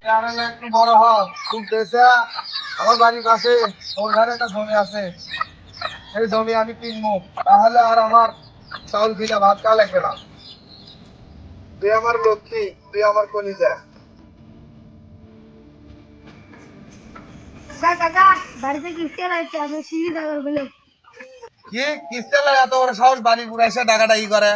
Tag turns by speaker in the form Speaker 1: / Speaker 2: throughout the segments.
Speaker 1: একটু বড় হও খুব দেশে আমার বাড়ির কাছে ওখানে একটা জমি আছে, সেই জমি আমি কিনবো, তাহলে আর আমার চাউল ভিজা ভাত খাওয়া লাগবে না। তুই আমার লক্ষ্মী, তুই আমার কলিজা।
Speaker 2: কাকা বাড়িতে কিস্তি আছে, আমি সিঁড়ি দাঁড়াবো বলে।
Speaker 1: কি কিস্তি লাগে এত বড় সাহস বাড়ি পুরো এসে ডাকাটা ই করে?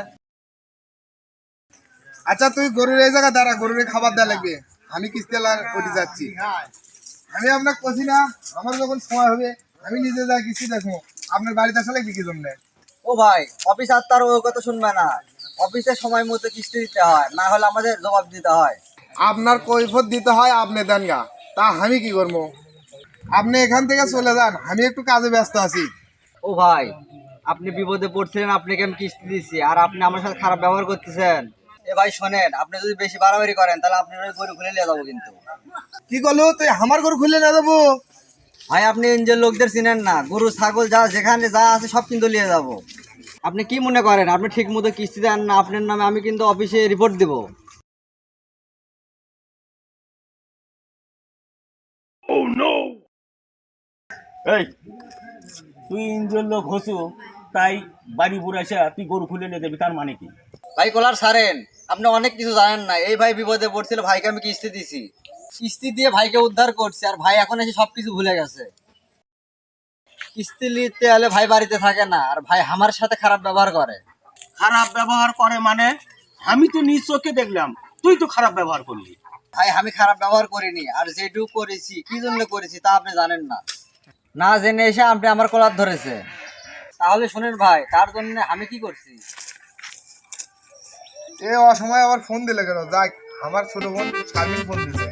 Speaker 1: আচ্ছা তুই গরুর এই জায়গা দাঁড়া, গরুর খাবার দেওয়া লাগবে, আমি কিস্তি ওটি যাচ্ছি। আমি আপনাকে বলছি না, আমার যখন সময় হবে আমি নিজে যা কিস্তি দেখবো, আপনার বাড়িতে আসলে কি জন্য?
Speaker 3: ও ভাই, অফিস আর তার ওই কথা শুনবে না। অফিসে সময় মতো কিস্তি দিতে হয়, না হলে আমাদের জবাব দিতে হয়।
Speaker 1: আপনার কৈফত দিতে হয়, আপনি দেন গা, তা আমি কি করবো? আপনি এখান থেকে চলে যান, আমি একটু কাজে ব্যস্ত আছি।
Speaker 3: ও ভাই, আপনি বিপদে পড়ছিলেন, আপনাকে আমি কিস্তি দিচ্ছি আর আপনি আমার সাথে খারাপ ব্যবহার করতেছেন। এ ভাই শোনেন, আপনি যদি বেশি বাড়াবাড়ি করেন তাহলে আপনার ওই গরু খুলে নিয়ে যাবো কিন্তু।
Speaker 1: কি করলো তুই? আমার গরু খুলে না দেবো?
Speaker 3: ভাই আপনি এনজিওর লোকদের চিনেন না, গরু ছাগল যা যেখানে যা আছে সব কিন্তু নিয়ে যাবো। আপনি কি মনে করেন আপনি ঠিক মতো কিস্তি দেন না, আপনার নামে আমি কিন্তু অফিসে রিপোর্ট দিব।
Speaker 4: এই তুই ইঞ্জোর লোক হসু, তাই বাড়ি বুড়ে আসা তুই গরু খুলে নিয়ে যাবি, তার মানে কি?
Speaker 3: ভাই কলার ছাড়েন, আপনি অনেক কিছু জানেন না। এই ভাই বিপদে পড়ছিল, ভাইকে আমি কিস্তি দিছি, কিস্তি দিয়ে ভাইকে উদ্ধার করছি, আর ভাই এখন এসে সবকিছু ভুলে গেছে। কিস্তি নিতে হলে ভাই বাড়িতে থাকে না, আর ভাই আমার সাথে খারাপ ব্যবহার করে।
Speaker 4: খারাপ ব্যবহার করে মানে? আমি তো নিজ চোখে দেখলাম, তুই তো খারাপ ব্যবহার করলি।
Speaker 3: ভাই আমি খারাপ ব্যবহার করিনি, আর যেটুকু করেছি কি জন্য করেছি তা আপনি জানেন না। না জেনে এসে আপনি আমার কলার ধরেছে। তাহলে শুনেন ভাই, তার জন্য আমি কি করছি।
Speaker 1: এ অসময় আবার ফোন দিলে কেন? যাক, আমার ছোট বোন শারমিন ফোন দিছে।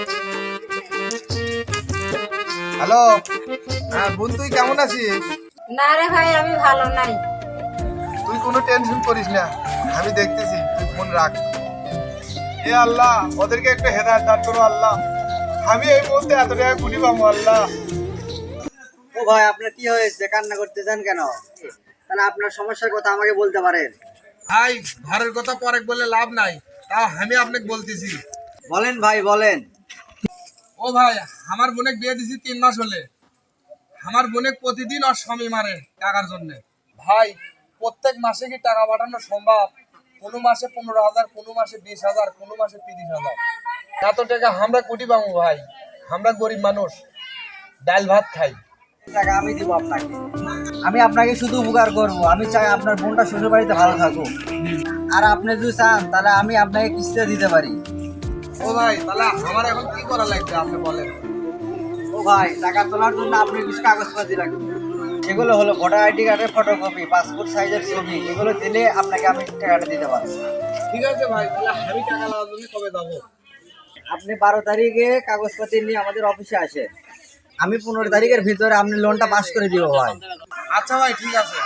Speaker 1: হ্যালো, হ্যাঁ বোন, তুই কেমন আছিস?
Speaker 2: না রে ভাই, আমি ভালো নাই।
Speaker 1: তুই কোনো টেনশন করিস না, আমি দেখতেছি, তুই ফোন রাখ। এ আল্লাহ, ওদেরকে একটু হেদায়েত দান করো আল্লাহ, আমি এই মুহূর্তে এত টাকা কুড়ি পাবো আল্লাহ।
Speaker 3: ও ভাই আপনার কি হয়েছে, কান্না করতেছেন কেন? তাহলে আপনার সমস্যার কথা আমাকে বলতে পারেন।
Speaker 1: ভাই ঘরের কথা পরে বললে লাভ নাই, তাও আমি আপনাকে বলতেছি।
Speaker 3: বলেন ভাই বলেন।
Speaker 1: ও ভাই, আমার বোনে বিয়ে দিছি 3 মাস হলে। আমার বোনে প্রতিদিন ওর স্বামী মারে টাকার জন্য। ভাই প্রত্যেক মাসে কি টাকা পাঠানো সম্ভব? কোনো মাসে 15,000, কোনো মাসে 20,000, কোনো মাসে 30,000। এত টাকা আমরা কোটি পাবো ভাই? আমরা গরিব মানুষ, ডাল ভাত খাই।
Speaker 3: টাকা আমি দিব আপনাকে, আমি আপনাকে শুধু উপকার করব। আমি চাই আপনার বোনটা শ্বশুর বাড়িতে ভালো থাকুক, আর আপনি যদি চান তাহলে আমি আপনাকে কিস্তি দিতে পারি।
Speaker 1: ও ভাই, তাহলে আমার এখন কি করা লাগবে আপনি বলেন?
Speaker 3: ও ভাই, টাকা তোলার জন্য আপনি কিছু কাগজপাতি লাগবে। এগুলো হলো ভোটার আইডি কার্ডের ফটোকপি, পাসপোর্ট সাইজের ছবি। এগুলো দিলে আপনাকে আমি টাকাটা দিতে পারবো।
Speaker 1: ঠিক আছে ভাই, তাহলে আমি টাকা নেওয়ার জন্য কবে যাবো?
Speaker 3: আপনি 12 তারিখে কাগজপাতি নিয়ে আমাদের অফিসে আসেন, আমি 15 তারিখের ভিতরে আপনি লোনটা পাস করে দিব ভাই।
Speaker 1: আচ্ছা ভাই, ঠিক আছে।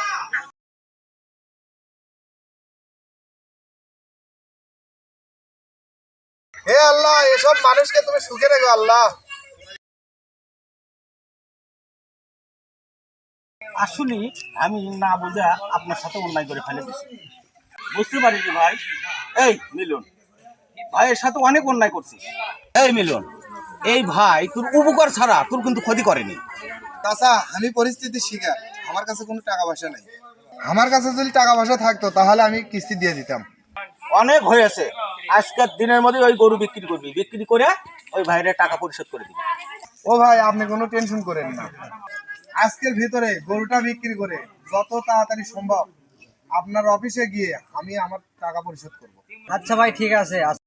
Speaker 1: হে আল্লাহ, এসব মানুষকে তুমি সুখে রেখো আল্লাহ।
Speaker 4: আসলে আমি না বুঝা আপনার সাথে অন্যায় করে ফেলে দিচ্ছি, বুঝতে পারিনি ভাই। এই মিলন, ভাইয়ের সাথে অনেক অন্যায় করছি। এই মিলন, এই ভাই তোর উপকার ছাড়া তোর কিন্তু ক্ষতি করেনি।
Speaker 1: চাচা, আমি পরিস্থিতি শিকার, আমার কাছে কোনো টাকা পয়সা নেই। আমার কাছে যদি টাকা পয়সা থাকতো তাহলে আমি কিস্তি দিয়ে দিতাম।
Speaker 4: অনেক হয়েছে, আজকের দিনের মধ্যে ওই গরু বিক্রি করবি, বিক্রি করে ওই ভাইয়ের টাকা পরিশোধ করে দিবি।
Speaker 1: ও ভাই, আপনি কোনো টেনশন করেন না, আজকের ভিতরে গরুটা বিক্রি করে যত তাড়াতাড়ি সম্ভব আপনার অফিসে গিয়ে আমি আমার টাকা পরিশোধ করব।
Speaker 3: আচ্ছা ভাই, ঠিক আছে।